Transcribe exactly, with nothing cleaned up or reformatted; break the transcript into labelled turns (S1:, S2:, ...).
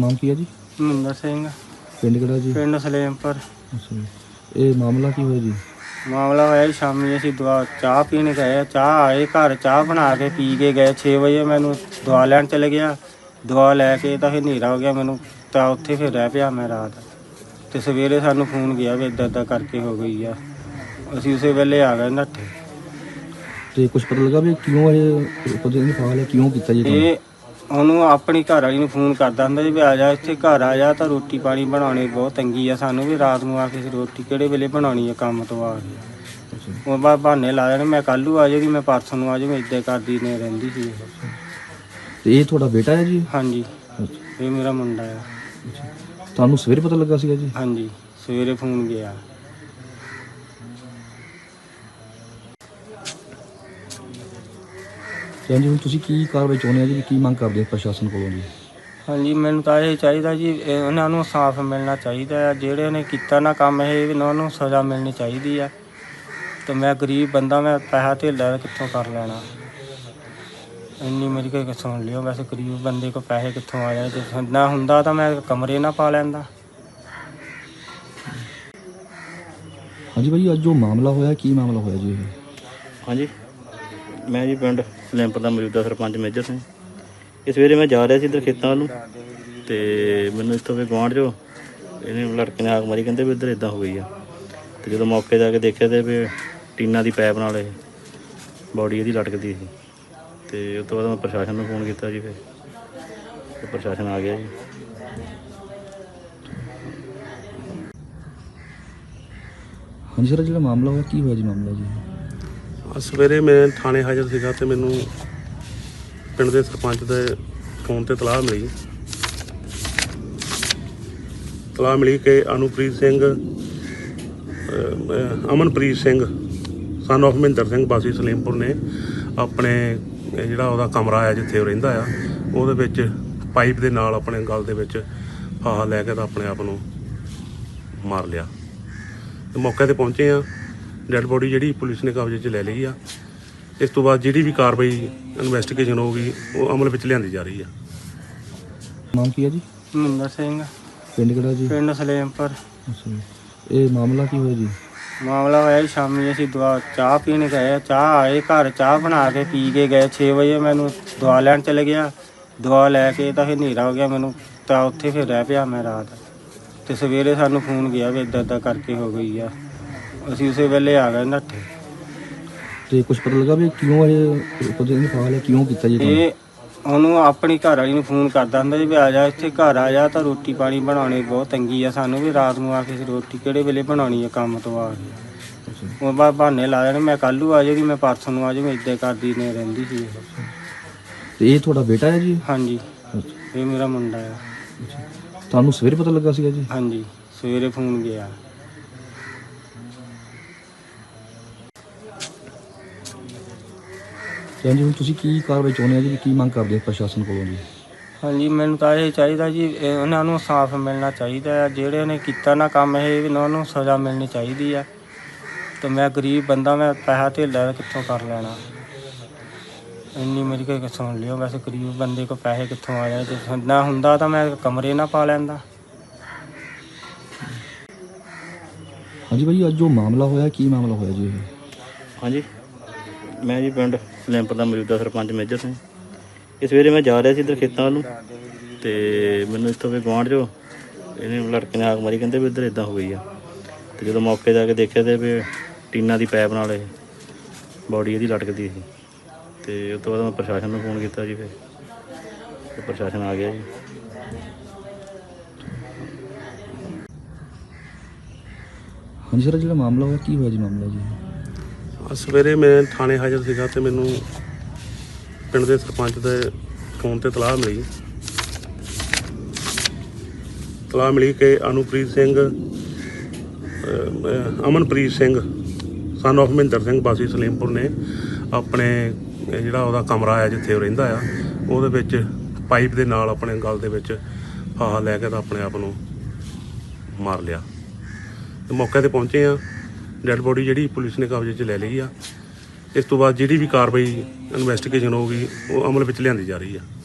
S1: ਨਾਮ ਕੀ ਹੈ ਜੀ?
S2: ਮਹਿੰਦਰ ਸਿੰਘ।
S1: ਪਿੰਡ ਕਿਹੜਾ ਜੀ?
S2: ਪਿੰਡ ਸਲੇਮਪੁਰ।
S1: ਅੱਛਾ ਜੀ। ਇਹ ਮਾਮਲਾ ਕੀ ਹੋਇਆ ਜੀ?
S2: ਮਾਮਲਾ ਹੋਇਆ ਜੀ ਸ਼ਾਮੀ ਅਸੀਂ ਦਵਾ ਚਾਹ ਪੀਣ ਗਏ, ਚਾਹ ਆਏ ਘਰ ਚਾਹ ਬਣਾ ਕੇ ਪੀ ਕੇ ਗਏ। ਛੇ ਵਜੇ ਮੈਨੂੰ ਦਵਾ ਲੈਣ ਚਲੇ ਗਿਆ। ਦਵਾ ਲੈ ਕੇ ਤਾਂ ਫਿਰ ਹਨੇਰਾ ਹੋ ਗਿਆ ਮੈਨੂੰ, ਤਾਂ ਉੱਥੇ ਫਿਰ ਰਹਿ ਪਿਆ ਮੈਂ ਰਾਤ। ਤੇ ਸਵੇਰੇ ਸਾਨੂੰ ਫੋਨ ਗਿਆ ਵੀ ਇੱਦਾਂ ਇੱਦਾਂ ਕਰਕੇ ਹੋ ਗਈ ਆ। ਅਸੀਂ ਉਸੇ ਵੇਲੇ ਆ ਗਏ ਨੱਠੇ।
S1: ਤੇ ਕੁਝ ਪਤਾ ਲੱਗਾ ਵੀ ਕਿਉਂ ਇਹ ਪਤਾ ਨਹੀਂ ਫਾਲ ਹੈ, ਕਿਉਂ ਕੀਤਾ ਜੀ ਕੰਮ?
S2: ਇਹ ਉਹਨੂੰ ਆਪਣੀ ਘਰ ਵਾਲੀ ਨੂੰ ਫੋਨ ਕਰਦਾ ਹੁੰਦਾ ਜੀ ਵੀ ਆ ਜਾ ਇੱਥੇ ਘਰ ਆ ਜਾ, ਤਾਂ ਰੋਟੀ ਪਾਣੀ ਬਣਾਉਣੀ ਬਹੁਤ ਤੰਗੀ ਆ ਸਾਨੂੰ, ਵੀ ਰਾਤ ਨੂੰ ਆ ਕੇ ਰੋਟੀ ਕਿਹੜੇ ਵੇਲੇ ਬਣਾਉਣੀ ਆ ਕੰਮ ਤੋਂ ਆ ਕੇ।
S1: ਅੱਛਾ।
S2: ਉਹ ਬਾ ਬਹਾਨੇ ਲਾ ਜਾਣੇ, ਮੈਂ ਕੱਲ੍ਹ ਨੂੰ ਆ ਜਾਊਗੀ, ਮੈਂ ਪਰਸੋਂ ਨੂੰ ਆ ਜਾਊਗੀ, ਇੱਦਾਂ ਕਰਦੀ ਨੇ ਰਹਿੰਦੀ ਸੀ ਇਹ।
S1: ਤੇ ਇਹ ਤੁਹਾਡਾ ਬੇਟਾ ਹੈ ਜੀ?
S2: ਹਾਂਜੀ,
S1: ਅੱਛਾ।
S2: ਇਹ ਮੇਰਾ ਮੁੰਡਾ ਆ।
S1: ਅੱਛਾ। ਤੁਹਾਨੂੰ ਸਵੇਰੇ ਪਤਾ ਲੱਗਾ ਸੀਗਾ ਜੀ?
S2: ਹਾਂਜੀ, ਸਵੇਰੇ ਫੋਨ ਗਿਆ।
S1: ਤੇ ਹਾਂਜੀ, ਹੁਣ ਤੁਸੀਂ ਕੀ ਕਾਰਵਾਈ ਚਾਹੁੰਦੇ ਆ ਜੀ? ਕੀ ਮੰਗ ਕਰਦੇ ਆ ਪ੍ਰਸ਼ਾਸਨ ਕੋਲੋਂ ਜੀ?
S2: ਹਾਂਜੀ, ਮੈਨੂੰ ਤਾਂ ਇਹ ਚਾਹੀਦਾ ਜੀ, ਇਹ ਉਹਨਾਂ ਨੂੰ ਸਾਫ਼ ਮਿਲਣਾ ਚਾਹੀਦਾ ਆ। ਜਿਹੜੇ ਨੇ ਕੀਤਾ ਨਾ ਕੰਮ ਇਹ ਉਹਨਾਂ ਨੂੰ ਸਜ਼ਾ ਮਿਲਣੀ ਚਾਹੀਦੀ ਆ। ਤੇ ਮੈਂ ਗਰੀਬ ਬੰਦਾ, ਮੈਂ ਪੈਸਾ ਧੇਲਾ ਕਿੱਥੋਂ ਕਰ ਲੈਣਾ? ਇੰਨੀ ਮੇਰੀ ਕੋਈ ਸੁਣ ਲਿਓ, ਵੈਸੇ ਗਰੀਬ ਬੰਦੇ ਕੋਲ ਪੈਸੇ ਕਿੱਥੋਂ ਆ ਜਾਣੇ? ਜੇ ਨਾ ਹੁੰਦਾ ਤਾਂ ਮੈਂ ਕਮਰੇ ਨਾ ਪਾ ਲੈਂਦਾ।
S1: ਹਾਂਜੀ ਭਾਈ, ਅੱਜ ਜੋ ਮਾਮਲਾ ਹੋਇਆ ਕੀ ਮਾਮਲਾ ਹੋਇਆ ਜੀ ਇਹ?
S3: ਹਾਂਜੀ, ਮੈਂ ਜੀ ਪਿੰਡ ਸਲੇਮਪੁਰ ਦਾ ਮੌਜੂਦਾ ਸਰਪੰਚ ਮੇਜਰ ਸਿੰਘ। ਇਹ ਸਵੇਰੇ ਮੈਂ ਜਾ ਰਿਹਾ ਸੀ ਇੱਧਰ ਖੇਤਾਂ ਵੱਲ ਨੂੰ, ਅਤੇ ਮੈਨੂੰ ਇੱਥੋਂ ਵੀ ਗੁਆਂਢ 'ਚੋਂ ਇਹਨੇ ਲੜਕੇ ਨੇ ਹਾਕ ਮਾਰੀ, ਕਹਿੰਦੇ ਵੀ ਇੱਧਰ ਇੱਦਾਂ ਹੋ ਗਈ ਆ। ਅਤੇ ਜਦੋਂ ਮੌਕੇ 'ਤੇ ਆ ਕੇ ਦੇਖਿਆ ਤਾਂ ਵੀ ਟੀਨਾਂ ਦੀ ਪਾਈਪ ਨਾਲ ਇਹ ਬੋਡੀ ਇਹਦੀ ਲਟਕਦੀ ਸੀ। ਅਤੇ ਉਸ ਤੋਂ ਬਾਅਦ ਮੈਂ ਪ੍ਰਸ਼ਾਸਨ ਨੂੰ ਫੋਨ ਕੀਤਾ ਜੀ, ਫਿਰ ਅਤੇ ਪ੍ਰਸ਼ਾਸਨ ਆ ਗਿਆ ਜੀ।
S1: ਹਾਂਜੀ ਸਰ, ਜਿਹੜਾ ਮਾਮਲਾ ਹੋਇਆ ਕੀ ਹੋਇਆ ਜੀ ਮਾਮਲਾ ਜੀ?
S4: ਸਵੇਰੇ ਮੈਂ ਥਾਣੇ ਹਾਜ਼ਰ ਸੀਗਾ ਅਤੇ ਮੈਨੂੰ ਪਿੰਡ ਦੇ ਸਰਪੰਚ ਦੇ ਫੋਨ 'ਤੇ ਤਲਾਹ ਮਿਲੀ ਤਲਾਹ ਮਿਲੀ ਕਿ ਅਨੁਪ੍ਰੀਤ ਸਿੰਘ ਅਮਨਪ੍ਰੀਤ ਸਿੰਘ ਸਨ ਆਫ ਮਹਿੰਦਰ ਸਿੰਘ ਵਾਸੀ ਸਲੇਮਪੁਰ ਨੇ ਆਪਣੇ ਜਿਹੜਾ ਉਹਦਾ ਕਮਰਾ ਆ ਜਿੱਥੇ ਉਹ ਰਹਿੰਦਾ ਆ, ਉਹਦੇ ਵਿੱਚ ਪਾਈਪ ਦੇ ਨਾਲ ਆਪਣੇ ਗਲ ਦੇ ਵਿੱਚ ਫਾਹਾ ਲੈ ਕੇ ਤਾਂ ਆਪਣੇ ਆਪ ਨੂੰ ਮਾਰ ਲਿਆ। ਤੇ ਮੌਕੇ 'ਤੇ ਪਹੁੰਚੇ ਆ, ਡੈੱਡ ਬੋਡੀ ਜਿਹੜੀ ਪੁਲਿਸ ਨੇ ਕਬਜ਼ੇ 'ਚ ਲੈ ਲਈ ਆ। ਇਸ ਤੋਂ ਬਾਅਦ ਜਿਹੜੀ ਵੀ ਕਾਰਵਾਈ ਇਨਵੈਸਟੀਗੇਸ਼ਨ ਹੋਊਗੀ ਉਹ ਅਮਲ ਵਿੱਚ ਲਿਆਂਦੀ ਜਾ ਰਹੀ ਆ।
S1: ਨਾਮ ਕੀ ਹੈ ਜੀ?
S2: ਮਹਿੰਦਰ ਸਿੰਘ।
S1: ਪਿੰਡ ਕਿਹੜਾ ਜੀ?
S2: ਪਿੰਡ ਸਲੇਮਪੁਰ।
S1: ਅੱਛਾ ਜੀ। ਇਹ ਮਾਮਲਾ ਕੀ ਹੋਇਆ ਜੀ?
S2: ਮਾਮਲਾ ਹੋਇਆ ਜੀ ਸ਼ਾਮੀ ਅਸੀਂ ਦਵਾ ਚਾਹ ਪੀਣ ਗਏ, ਚਾਹ ਆਏ ਘਰ ਚਾਹ ਬਣਾ ਕੇ ਪੀ ਕੇ ਗਏ। ਛੇ ਵਜੇ ਮੈਨੂੰ ਦਵਾ ਲੈਣ ਚਲੇ ਗਿਆ। ਦਵਾ ਲੈ ਕੇ ਤਾਂ ਫਿਰ ਹਨੇਰਾ ਹੋ ਗਿਆ ਮੈਨੂੰ, ਤਾਂ ਉੱਥੇ ਫਿਰ ਰਹਿ ਪਿਆ ਮੈਂ ਰਾਤ। ਤੇ ਸਵੇਰੇ ਸਾਨੂੰ ਫੋਨ ਗਿਆ ਵੀ ਇੱਦਾਂ ਇੱਦਾਂ ਕਰਕੇ ਹੋ ਗਈ ਆ। ਅਸੀਂ ਉਸੇ ਵੇਲੇ ਆ ਗਏ ਨੱਠੇ।
S1: ਤੇ ਕੁਝ ਪਤਾ ਲੱਗਾ ਵੀ ਕਿਉਂ ਇਹ ਪਤਾ ਨਹੀਂ ਫਾਲ ਹੈ, ਕਿਉਂ ਕੀਤਾ ਜੀ ਕੰਮ?
S2: ਇਹ ਉਹਨੂੰ ਆਪਣੀ ਘਰ ਵਾਲੀ ਨੂੰ ਫੋਨ ਕਰਦਾ ਹੁੰਦਾ ਜੀ ਵੀ ਆ ਜਾ ਇੱਥੇ ਘਰ ਆ ਜਾ, ਤਾਂ ਰੋਟੀ ਪਾਣੀ ਬਣਾਉਣੀ ਬਹੁਤ ਤੰਗੀ ਆ ਸਾਨੂੰ, ਵੀ ਰਾਤ ਨੂੰ ਆ ਕੇ ਰੋਟੀ ਕਿਹੜੇ ਵੇਲੇ ਬਣਾਉਣੀ ਆ ਕੰਮ ਤੋਂ ਆ ਕੇ।
S1: ਅੱਛਾ।
S2: ਉਹ ਬਾ ਬਹਾਨੇ ਲਾ ਜਾਣੇ, ਮੈਂ ਕੱਲ੍ਹ ਨੂੰ ਆ ਜਾਊਗੀ, ਮੈਂ ਪਰਸੋਂ ਨੂੰ ਆ ਜਾਊਗੀ, ਇੱਦਾਂ ਕਰਦੀ ਨੇ ਰਹਿੰਦੀ ਸੀ ਇਹ।
S1: ਤੇ ਇਹ ਤੁਹਾਡਾ ਬੇਟਾ ਹੈ ਜੀ?
S2: ਹਾਂਜੀ,
S1: ਅੱਛਾ।
S2: ਇਹ ਮੇਰਾ ਮੁੰਡਾ ਆ।
S1: ਅੱਛਾ। ਤੁਹਾਨੂੰ ਸਵੇਰੇ ਪਤਾ ਲੱਗਾ ਸੀਗਾ ਜੀ?
S2: ਹਾਂਜੀ, ਸਵੇਰੇ ਫੋਨ ਗਿਆ।
S1: ਤੇ ਹਾਂਜੀ, ਹੁਣ ਤੁਸੀਂ ਕੀ ਕਾਰਵਾਈ ਚਾਹੁੰਦੇ ਆ ਜੀ? ਕੀ ਮੰਗ ਕਰਦੇ ਆ ਪ੍ਰਸ਼ਾਸਨ ਕੋਲੋਂ ਜੀ?
S2: ਹਾਂਜੀ, ਮੈਨੂੰ ਤਾਂ ਇਹ ਚਾਹੀਦਾ ਜੀ, ਇਹ ਉਹਨਾਂ ਨੂੰ ਸਾਫ਼ ਮਿਲਣਾ ਚਾਹੀਦਾ ਆ। ਜਿਹੜੇ ਨੇ ਕੀਤਾ ਨਾ ਕੰਮ ਇਹ ਉਹਨਾਂ ਨੂੰ ਸਜ਼ਾ ਮਿਲਣੀ ਚਾਹੀਦੀ ਆ। ਤੇ ਮੈਂ ਗਰੀਬ ਬੰਦਾ, ਮੈਂ ਪੈਸਾ ਧੇਲਾ ਕਿੱਥੋਂ ਕਰ ਲੈਣਾ? ਇੰਨੀ ਮੇਰੀ ਕੋਈ ਸੁਣ ਲਿਓ, ਵੈਸੇ ਗਰੀਬ ਬੰਦੇ ਕੋਲ ਪੈਸੇ ਕਿੱਥੋਂ ਆ ਜਾਣੇ? ਜੇ ਨਾ ਹੁੰਦਾ ਤਾਂ ਮੈਂ ਕਮਰੇ ਨਾ ਪਾ ਲੈਂਦਾ।
S1: ਹਾਂਜੀ ਭਾਈ, ਅੱਜ ਜੋ ਮਾਮਲਾ ਹੋਇਆ ਕੀ ਮਾਮਲਾ ਹੋਇਆ ਜੀ ਇਹ?
S3: ਹਾਂਜੀ, ਮੈਂ ਜੀ ਪਿੰਡ ਸਲੇਮਪੁਰ ਦਾ ਮੌਜੂਦਾ ਸਰਪੰਚ ਮੇਜਰ ਸਿੰਘ। ਇਹ ਸਵੇਰੇ ਮੈਂ ਜਾ ਰਿਹਾ ਸੀ ਇੱਧਰ ਖੇਤਾਂ ਵੱਲ ਨੂੰ, ਅਤੇ ਮੈਨੂੰ ਇੱਥੋਂ ਵੀ ਗੁਆਂਢ 'ਚੋਂ ਇਹਨੇ ਲੜਕੇ ਨੇ ਹਾਕ ਮਾਰੀ, ਕਹਿੰਦੇ ਵੀ ਇੱਧਰ ਇੱਦਾਂ ਹੋ ਗਈ ਆ। ਅਤੇ ਜਦੋਂ ਮੌਕੇ 'ਤੇ ਆ ਕੇ ਦੇਖਿਆ ਤਾਂ ਵੀ ਟੀਨਾਂ ਦੀ ਪਾਈਪ ਨਾਲ ਇਹ ਬੋਡੀ ਇਹਦੀ ਲਟਕਦੀ ਸੀ। ਅਤੇ ਉਸ ਤੋਂ ਬਾਅਦ ਮੈਂ ਪ੍ਰਸ਼ਾਸਨ ਨੂੰ ਫੋਨ ਕੀਤਾ ਜੀ, ਫਿਰ ਅਤੇ ਪ੍ਰਸ਼ਾਸਨ ਆ ਗਿਆ ਜੀ।
S1: ਹਾਂਜੀ ਸਰ, ਜਿਹੜਾ ਮਾਮਲਾ ਹੋਇਆ ਕੀ ਹੋਇਆ ਜੀ ਮਾਮਲਾ ਜੀ?
S4: ਸਵੇਰੇ ਮੈਂ ਥਾਣੇ ਹਾਜ਼ਰ ਸੀਗਾ ਅਤੇ ਮੈਨੂੰ ਪਿੰਡ ਦੇ ਸਰਪੰਚ ਦੇ ਫੋਨ 'ਤੇ ਤਲਾਹ ਮਿਲੀ ਤਲਾਹ ਮਿਲੀ ਕਿ ਅਨੁਪ੍ਰੀਤ ਸਿੰਘ ਅਮਨਪ੍ਰੀਤ ਸਿੰਘ ਸਨ ਆਫ ਮਹਿੰਦਰ ਸਿੰਘ ਵਾਸੀ ਸਲੇਮਪੁਰ ਨੇ ਆਪਣੇ ਜਿਹੜਾ ਉਹਦਾ ਕਮਰਾ ਆ ਜਿੱਥੇ ਉਹ ਰਹਿੰਦਾ ਆ, ਉਹਦੇ ਵਿੱਚ ਪਾਈਪ ਦੇ ਨਾਲ ਆਪਣੇ ਗਲ ਦੇ ਵਿੱਚ ਫਾਹਾ ਲੈ ਕੇ ਤਾਂ ਆਪਣੇ ਆਪ ਨੂੰ ਮਾਰ ਲਿਆ। ਤੇ ਮੌਕੇ 'ਤੇ ਪਹੁੰਚੇ ਆ, ਡੈੱਡ ਬੋਡੀ ਜਿਹੜੀ ਪੁਲਿਸ ਨੇ ਕਬਜ਼ੇ 'ਚ ਲੈ ਲਈ ਆ। ਇਸ ਤੋਂ ਬਾਅਦ ਜਿਹੜੀ ਵੀ ਕਾਰਵਾਈ ਇਨਵੈਸਟੀਗੇਸ਼ਨ ਹੋਊਗੀ ਉਹ ਅਮਲ ਵਿੱਚ ਲਿਆਂਦੀ ਜਾ ਰਹੀ ਆ।